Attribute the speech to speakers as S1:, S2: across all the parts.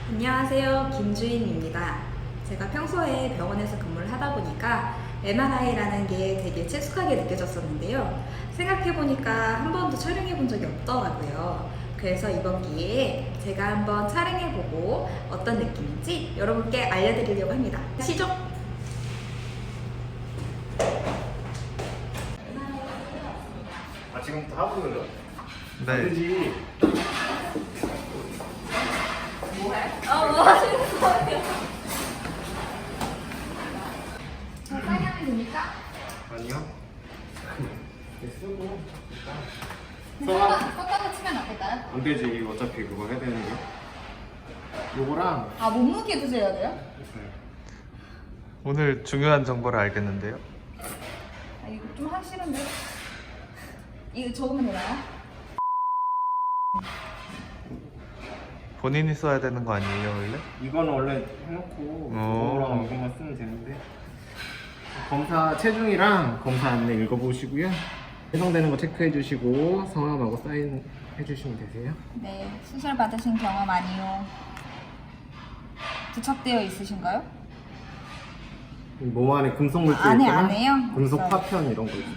S1: 안녕하세요. 김주인입니다. 제가 평소에 병원에서 근무를 하다 보니까 MRI라는 게 되게 친숙하게 느껴졌었는데요. 생각해보니까 한 번도 촬영해본 적이 없더라고요. 그래서 이번 기회에 제가 한번 촬영해보고 어떤 느낌인지 여러분께 알려드리려고 합니다. 시죠?
S2: 지금부터 하고 있는 거야?
S3: 네.
S2: 되지.
S1: 뭐 하시는 거예요? 저 빨리 하면 됩니까?
S2: 아니요. 쓰고.
S1: 섞어서 치면 어떨까요?
S2: 안 되지. 이거 어차피 그거 해야 되는데. 요거랑.
S1: 아, 몸무게도 재야 돼요?
S3: 오늘 중요한 정보를 알겠는데요.
S1: 아, 이거 좀 하기 싫은데? 이거 적으면 되나요?
S3: 본인이 써야 되는 거 아니에요, 원래?
S2: 이거는 원래 해놓고
S3: 어.
S2: 그거랑 이것만 쓰면 되는데. 검사 체중이랑 검사 안내 읽어보시고요. 해당되는 거 체크해 주시고 성함하고 사인 해주시면 되세요.
S1: 네, 수술 받으신 경험 아니요. 부착되어 있으신가요?
S2: 몸 안에 금속 물질
S1: 안에
S2: 있거나
S1: 안에요?
S2: 금속
S1: 없어요.
S2: 파편 이런 거 있어요.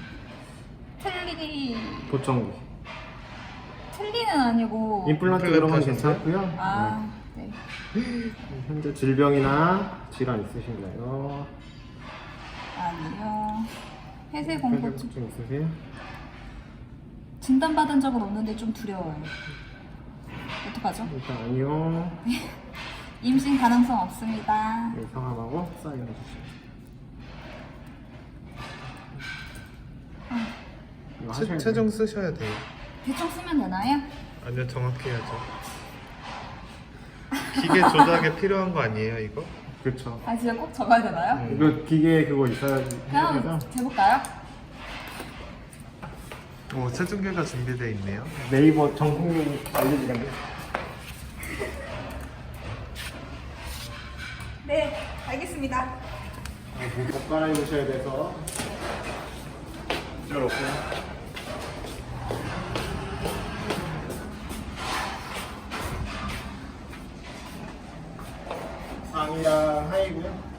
S2: 보청기.
S1: 틀리는 아니고.
S2: 임플란트 이런 건
S3: 하셨어요?
S2: 괜찮고요.
S1: 아, 네.
S2: 현재 질병이나 질환 있으신가요?
S1: 아니요. 폐쇄 공포증
S2: 좀 있으세요?
S1: 진단받은 적은 없는데 좀 두려워요. 어떡하죠?
S2: 일단 아니요.
S1: 임신 가능성 없습니다.
S2: 네, 성함하고 사인해 주시면. 이거 하셔야
S3: 체중 쓰셔야 돼요.
S1: 대충 쓰면 되나요?
S3: 아니요, 정확히 해야죠. 기계 조작에 필요한 거 아니에요, 이거?
S2: 그렇죠.
S1: 아, 진짜 꼭 적어야 되나요?
S2: 이거 기계 그거 있어야지. 해야
S1: 그냥
S2: 돼서
S1: 재볼까요?
S3: 오, 체중계가 준비되어 있네요.
S2: 네이버 정국민 알려주겠네.
S1: 네, 알겠습니다.
S2: 옷 갈아입으셔야 돼서. 이쪽 없고요. 상의랑 하의고요.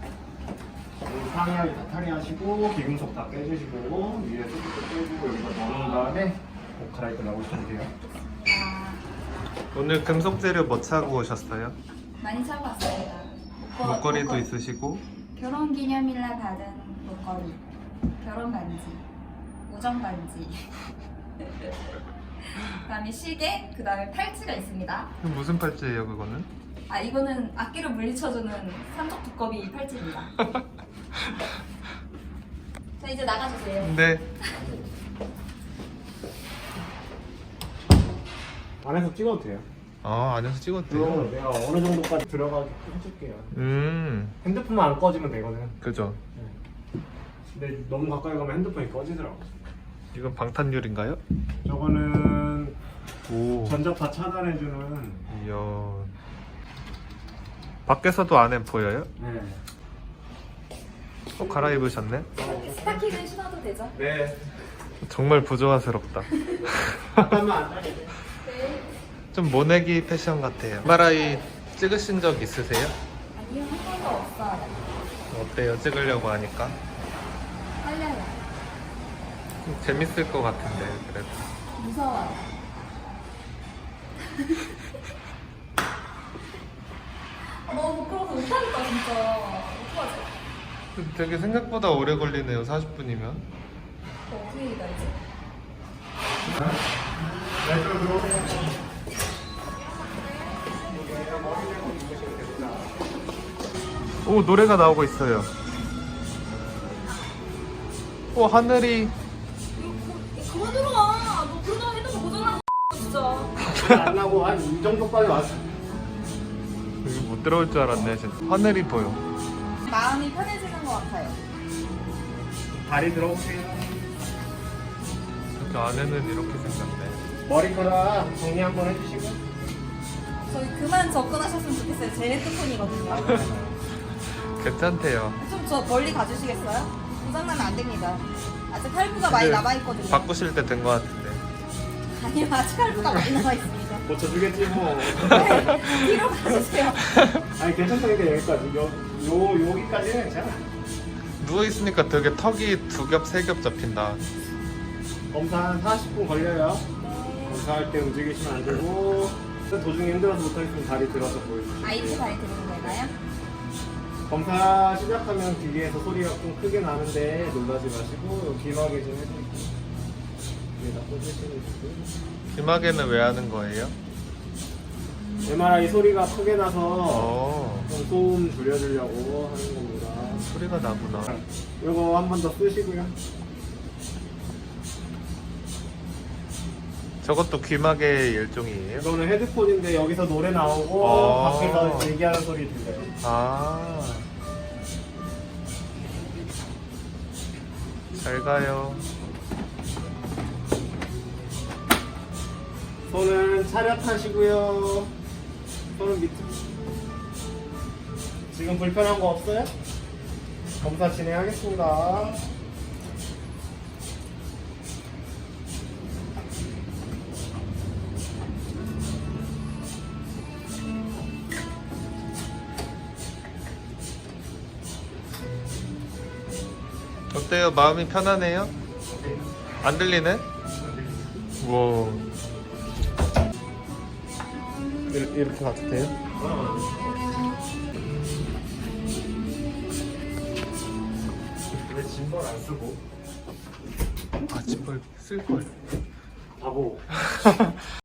S2: 상의하기 다 탈의하시고 기금속 다 빼주시고 위에 소프트 빼주고 여기다 넣어놓은 다음에 옷 갈아입고 나오시면 돼요.
S1: 아,
S3: 오늘 금속 재료 뭐 차고 오셨어요?
S1: 많이 차고 왔습니다.
S3: 목걸이도 있으시고.
S1: 결혼 기념일날 받은 목걸이, 결혼 반지, 우정 반지, 그다음에 시계, 그다음에 팔찌가 있습니다.
S3: 무슨 팔찌예요, 그거는?
S1: 아, 이거는 악기를 물리쳐주는 삼적 두꺼비 팔찌입니다. 자, 이제 나가주세요.
S3: 네.
S2: 안에서 찍어도 돼요.
S3: 아, 안에서 찍어도 돼요?
S2: 그럼 내가 어느 정도까지 들어가게 해줄게요. 핸드폰만 안 꺼지면 되거든.
S3: 그죠.
S2: 근데 너무 가까이 가면 핸드폰이 꺼지더라고.
S3: 이건 방탄유리인가요?
S2: 저거는
S3: 오.
S2: 전자파 차단해주는.
S3: 이야. 밖에서도 안에 보여요?
S2: 네.
S3: 갈아입으셨네?
S1: 스타킹은 신어도 되죠?
S2: 네.
S3: 정말 부조화스럽다.
S2: 잠깐만 앉아.
S3: 좀 모내기 패션 같아요. MRI 찍으신 적 있으세요?
S1: 아니요, 한 번도 없어요.
S3: 어때요? 찍으려고 하니까?
S1: 떨려요.
S3: 좀 재밌을 것 같은데 그래도.
S1: 무서워요. 너무 부끄러워서 못하겠다, 진짜. 어떡하지?
S3: 되게 생각보다 오래 걸리네요. 40분이면.
S1: 어떻게 기다리지?
S3: 오, 노래가 나오고 있어요. 오, 하늘이.
S1: 그만 들어와. 너 그러다가 핸드폰 고장나. 진짜.
S2: 안 나고 한 이 정도까지 왔어.
S3: 여기 못 들어올 줄 알았네. 진짜. 하늘이 보여.
S1: 마음이 편해지는 것 같아요.
S2: 다리 들어보세요.
S3: 저 안에는 이렇게 생겼네.
S2: 머리카락 정리 한번 해주시고.
S1: 저희 그만 접근하셨으면 좋겠어요. 제 핸드폰이거든요.
S3: 괜찮대요.
S1: 좀 저 멀리 가주시겠어요? 고장나면 안 됩니다. 아직 할부가 많이
S3: 근데
S1: 남아있거든요.
S3: 바꾸실 때 된 것 같은데.
S1: 아니요, 아직 할부가 많이 남아있습니다.
S2: 고쳐주겠지 뭐.
S1: 뒤로 가주세요.
S2: 아니 괜찮다니까 여기까지. 여기까지는 괜찮아.
S3: 누워 있으니까 되게 턱이 2겹 3겹 잡힌다.
S2: 검사 한 40분 걸려요. 검사할 때 움직이시면 안 되고 도중에 힘들어서 못하겠으면 다리 들어서 보여주시고.
S1: IT 다리 드리는 건가요?
S2: 검사 시작하면 기계에서 소리가 좀 크게 나는데 놀라지 마시고 귀마개 좀 해드릴게요. 위에다 꽂으시면
S3: 귀마개는 왜 하는 거예요?
S2: MRI 소리가 크게 나서
S3: 어,
S2: 좀 소음 줄여주려고 하는 겁니다.
S3: 소리가 나구나.
S2: 이거 한 번 더 쓰시고요.
S3: 저것도 귀마개 일종이에요?
S2: 이거는 헤드폰인데 여기서 노래 나오고
S3: 아.
S2: 밖에서 얘기하는 소리 들려요.
S3: 아, 잘 가요.
S2: 손은 차렷하시고요. 손은 밑에. 지금 불편한 거 없어요? 검사 진행하겠습니다.
S3: 어때요? 마음이 편하네요? 안 들리네? 우와. 이렇게 가도 돼요?
S2: 왜 짐벌 안 쓰고?
S3: 아, 짐벌 쓸걸.
S2: 바보.